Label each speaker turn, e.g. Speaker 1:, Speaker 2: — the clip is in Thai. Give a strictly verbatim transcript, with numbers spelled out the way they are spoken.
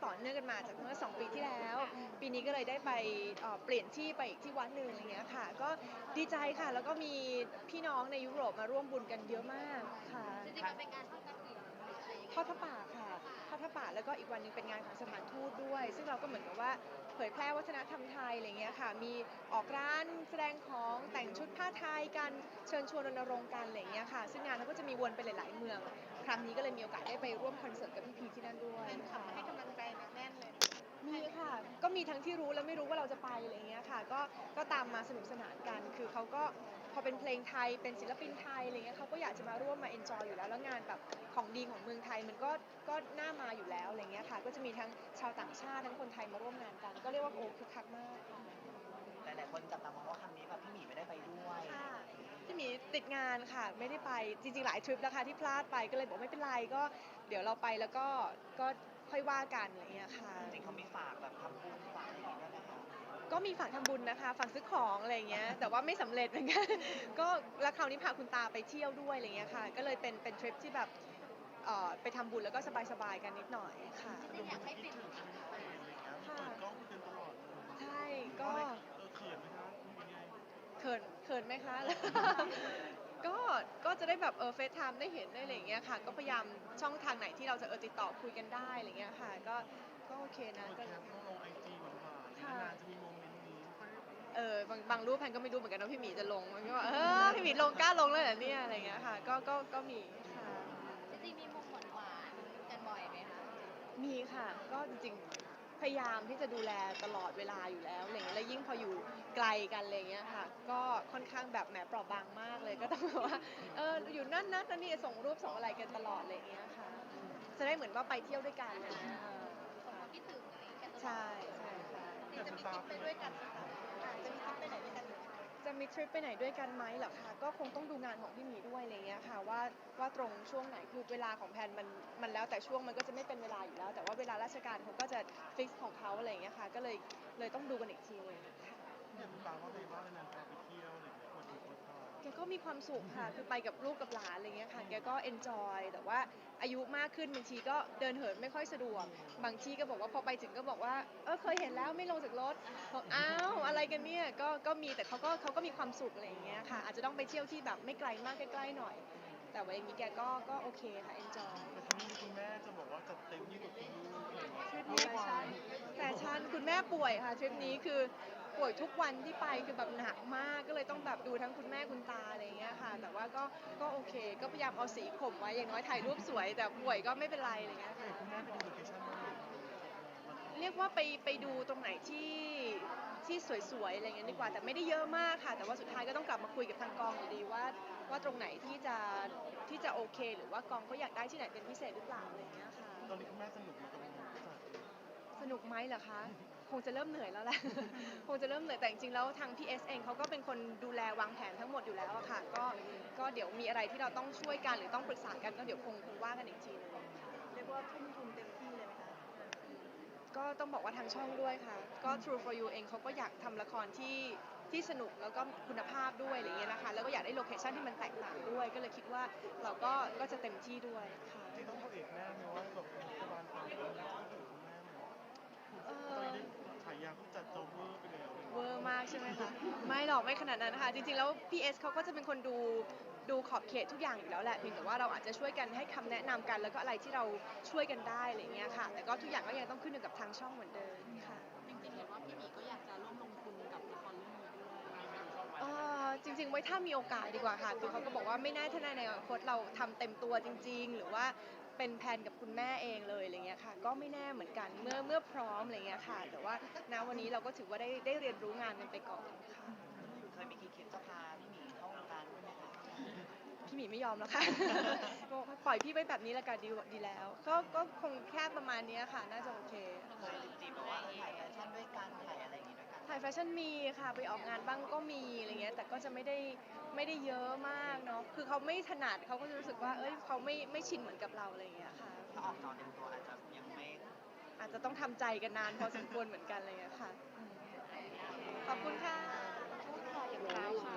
Speaker 1: ต่อเนื่องกันมาจากเมื่อสองปีที่แล้วปีนี้ก็เลยได้ไปเปลี่ยนที่ไปอีกที่วัดหนึ่งอะไรเงี้ยค่ะก็ดีใจค่ะแล้วก็มีพี่น้องในยุโรปมาร่วมบุญกันเยอะมากค่ะ
Speaker 2: จริงๆมันเป็นงานทอดกฐินหรืออะไรยังไง
Speaker 1: ทอดผ้าป่าค่ะทอดผ้าป่าแล้วก็อีกวันนึงเป็นงานของสถานทูตด้วยซึ่งเราก็เหมือนกับว่าเผยแพร่วัฒนธรรมไทยอะไรเงี้ยค่ะมีออกร้านแสดงของแต่งชุดผ้าไทยกันเชิญชวนรณรงค์กันอะไรเงี้ยค่ะซึ่งงานเราก็จะมีวนไปหลายๆเมืองครั้งนี้ก็เลยมีโอกาสได้ไปร่วมคอนเสิร์ตกับพี่พีที่นั่นด้วยค่ะ
Speaker 2: ให้กำลังใจแน่นเลย
Speaker 1: มีค่ะก็มีทั้งที่รู้และไม่รู้ว่าเราจะไปอะไรเงี้ยค่ะก็ก็ตามมาสนุกสนานกันคือเขาก็พอเป็นเพลงไทยเป็นศิลปินไทยอะไรเงี้ยเขาก็อยากจะมาร่วมมาเอนจอยอยู่แล้วแล้วงานแบบของดีของเมืองไทยมันก็ก็น่ามาอยู่แล้วอะไรเงี้ยค่ะก็จะมีทั้งชาวต่างชาติทั้งคนไทยมาร่วมงานกันก็เรียกว่าโอ้คึกคักมาก
Speaker 3: หลายๆคนจับตามองว่าครั้งนี้แบบพี่หมีไม่ได้ไปด้วย
Speaker 1: ค่ะพี่หมีติดงานค่ะไม่ได้ไปจริงๆหลายทริปแล้วค่ะที่พลาดไปก็เลยบอกไม่เป็นไรก็เดี๋ยวเราไปแล้วก็ก็ค่อยว่ากันอะไรเงี้ยค่ะ
Speaker 3: จริงๆเขามีฝากแบบทำบุญฝากอะไรอย่างเงี้ยด้วยไหมคะ
Speaker 1: ก็มีฝากทำบุญนะคะฝากซื้อของอะไรเงี้ยแต่ว่าไม่สำเร็จเหมือนกันก็แล้วคราวนี้พาคุณตาไปเที่ยวด้วยอะไรเงี้ยค่ะก็เลยเป็นเป็นทริปที่แบบเอ่อไปทำบุญแล้วก็สบายๆกันนิดหน่อยค่ะ
Speaker 2: จริงๆอยากให้ปิด
Speaker 1: ค่ะ
Speaker 4: เปิดกล้องคุยกันตลอดเลย
Speaker 1: ใช่ก็
Speaker 4: เออเขินไหมคะคุณยังไง
Speaker 1: เขินเขินไหมคะ ก็ก็จะได้แบบเออเฟซไทม์ได้เห็นได้อะไรอย่างเงี้ยค่ะก็พยายามช่องทางไหนที่เราจะเออติดต่อคุยกันได้อะไรเงี้ยค่ะก็ก็โอเคนะ
Speaker 4: เปิด
Speaker 1: ก็
Speaker 4: แคปต้องลงไอจีหวานๆนานๆจะมีโมเมนต์นี้
Speaker 1: เออบางบางรูปแพนก็ไม่รู้เหมือนกันว่าพี่หมีจะลงมันก็ว่าเออพี่หมีลงกล้าลงเลยเหรอเนี่ยอะไรเงี้ยค่ะก็ก็ก็มีค่ะ
Speaker 2: จริงๆมีมุมหวานๆกันบ่อยไหมคะ
Speaker 1: มีค่ะก็จริงๆพยายามที่จะดูแลตลอดเวลาอยู่แล้วอะไรเงี้ยแล้วยิ่งพออยู่ไกลกันอะไรเงี้ยค่ะก็ค่อนข้างแบบแหมเปราะบางมากเลยก็ต้องแบบว่าเอออยู่นั่นนั่นนั่นนี่ส่งรูปส่งอะไรกันตลอดอะไรเงี้ยค่ะจะได้เหมือนว่าไปเที่ยวด้วยกันอะไรเลยเออ
Speaker 2: ส่งความคิดถึงอะไรอย่างเงี้ยกันตลอด
Speaker 1: ใช่ใช่ค่ะ
Speaker 2: จริงๆจะมีทริปไปด้วยกันไหมคะจะมีทริปไปไหนด้วยกันไหม
Speaker 1: จะมีทริปไปไหนด้วยกันไหมเหรอคะก็คงต้องดูงานของพี่หมีด้วยอะไรเงี้ยค่ะว่าว่าตรงช่วงไหนคือเวลาของแพนมันมันแล้วแต่ช่วงมันก็จะไม่เป็นเวลาอยู่แล้ว แต่ว่าเวลาราชการเขาก็จะฟิกของเขาอะไรเงี้ยค่ะก็เลยเลยต้องดูกันอีกทีนึงค่ะ
Speaker 4: เนี่ยคุณตาว่าไงบ้างนานๆพาไปเที่ยวอะไรอย่างเงี้ยคนดูคนชอบ
Speaker 1: แกก็มีความสุขค่ะคือไปกับลูกกับหลานอะไรเงี้ยค่ะแกก็เอนจอยแต่ว่าอายุมากขึ้นบางทีก็เดินเหินไม่ค่อยสะดวกบางที่ก็บอกว่าพอไปถึงก็บอกว่าเออเคยเห็นแล้วไม่ลงจากรถบอกอ้าวอะไรกันเนี่ยก็ก็มีแต่เขาก็เขาก็มีความสุขอะไรอย่างเงี้ยค่ะอาจจะต้องไปเที่ยวที่แบบไม่ไกลมากใกล้ๆหน่อย แต่ว่าอย่างนี้แกก็ก็โอเคค่ะเอนจอย
Speaker 4: แต่ที่นี่คุณแม่จะบอกว่าจัดเต็มยิ่งกว่าคุณลูกอะไรอย่างเงี้ย
Speaker 1: ทริปนี้แฟชั่นแฟชั่นคุณแม่ป่วยค่ะทริปนี้คือป่วยทุกวันที่ไปคือแบบหนักมากก็เลยต้องแบบดูทั้งคุณแม่คุณตาอะไรอย่างเงี้ยค่ะแต่ว่าก็ก็โอเค ก็พยายามเอาสีข่มไว้อย่างน้อยถ่ายรูปสวย แต่ป่วยก็ไม่เป็นไรอะไรเงี้ยค่ะ
Speaker 4: คุณแม่ไปดูโลเคชั่นบ้าง
Speaker 1: เรียกว่าไปไปดูตรงไหนที่ที่สวยๆอะไรเงี้ยดีกว่าแต่ไม่ได้เยอะมากค่ะ แต่ว่าสุดท้ายก็ต้องกลับมาคุยกับทางกองอยู่ดีว่าว่าตรงไหนที่จะที่จะโอเค หรือว่ากองเขาอยากได้ที่ไหนเป็นพิเศษหรือเปล่าอะไรเงี้ยค่ะ
Speaker 4: ตอนนี้คุณแม่สนุกอยู่กับจัด
Speaker 1: สนุกไหมเหรอคะ คงจะเริ่มเหนื่อยแล้วแหละ คงจะเริ่มเหนื่อยแต่จริงๆแล้วทางพี่เอสเองเขาก็เป็นคนดูแลวางแผนทั้งหมดอยู่แล้วอะค่ะก็ก็เดี๋ยวมีอะไรที่เราต้องช่วยกันหรือต้องปรึกษากันก็เดี๋ยวคงคงว่ากันอีกทีนึงเรียกว่าทุ่มทุนเต็มที่เลยไหมคะก็ต้องบอกว่าทางช่องด้วยค่ะก็ True for You เองเขาก็อยากทำละครที่ที่สนุกแล้วก็คุณภาพด้วยอะไรเงี้ยนะคะแล้วก็อยากได้โลเคชั่นที่มันแตกต่างด้วยก็เลยคิดว่าเราก็ก็จะเต็มที่ด้วยค่ะ
Speaker 4: ที่ต้องเข้าเอกแน่ไหมว่าแบบรัฐบาลฝั่งนี้จะคิดถึงคุณแม่ไหม
Speaker 1: เอ
Speaker 4: ตอน
Speaker 1: อ
Speaker 4: นี้ฉายาผู้จัดโจเวอร์ไปแล้ว
Speaker 1: เวอร์มากใช่ไหมคะ ไม่หรอกไม่ขนาดนั้นค่ะจริงๆแล้ว พี เอส เขาก็จะเป็นคนดูดูขอบเขตทุกอย่างอยู่แล้วแหละเพียงแต่ว่าเราอาจจะช่วยกันให้คำแนะนำกันแล้วก็อะไรที่เราช่วยกันได้อะไรเงี้ยค่ะแต่ก็ทุกอย่างก็ยังต้องขึ้นอยู่กับทางช่องเหมือนเดิมค่ะ
Speaker 2: จริงๆเห็นว่าพี่หมีก็อยากจะร่วมลงทุนกับละครเรื่องนี้ด้วย
Speaker 1: เอ่อจริงๆไว้ถ้ามีโอกาสดีกว่าค่ะคือเขาก็บอกว่าไม่แน่ถ้าในอนาคตเราทำเต็มตัวจริงๆหรือว่าเป็นแผนกับคุณแม่เองเลยอะไรเงี้ยค่ะก็ไม่แน่เหมือนกันเมื่อเมื่อพร้อมอะไรเงี้ยค่ะแต่ว่าณวันนี้เราก็ถือว่าได้ได้เรียนรู้งานกันไปก่อนค่ะ
Speaker 3: เคยมีคิดจะพาพี่หมีเข้าวงการด้วยไหมคะ
Speaker 1: พี่หมีไม่ยอมแล้วค่ะ บอกว่าปล่อยพี่ไว้แบบนี้แล้วกันดีดีแล้วก็ก็คงแค่ประมาณนี้ค่ะน่าจะโอเค
Speaker 3: เคยจีบแบบว่าเออถ่ายแฟชั่นด้วยกันถ่ายอะไรอย่างงี้ด้วยกัน
Speaker 1: ถ่ายแฟชั่นมีค่ะไปออกงานบ้างก็มีอะไรเงี้ยแต่ก็จะไม่ได้ไม่ได้เยอะมากเนาะคือเขาไม่ถนัดเขาก็จะรู้สึกว่าเอ้ยเขาไม่ไม่ชินเหมือนกับเราอะไรเงี้ยค่ะ
Speaker 3: ถ้าออกจอเต็มตัวอาจจะยังไม่
Speaker 1: อาจจะต้องทำใจกันนานพอสมควรเหมือนกันอะไรเงี้ยค่ะอืมขอบคุณค่ะ
Speaker 2: ขออย่างเท้าค่ะ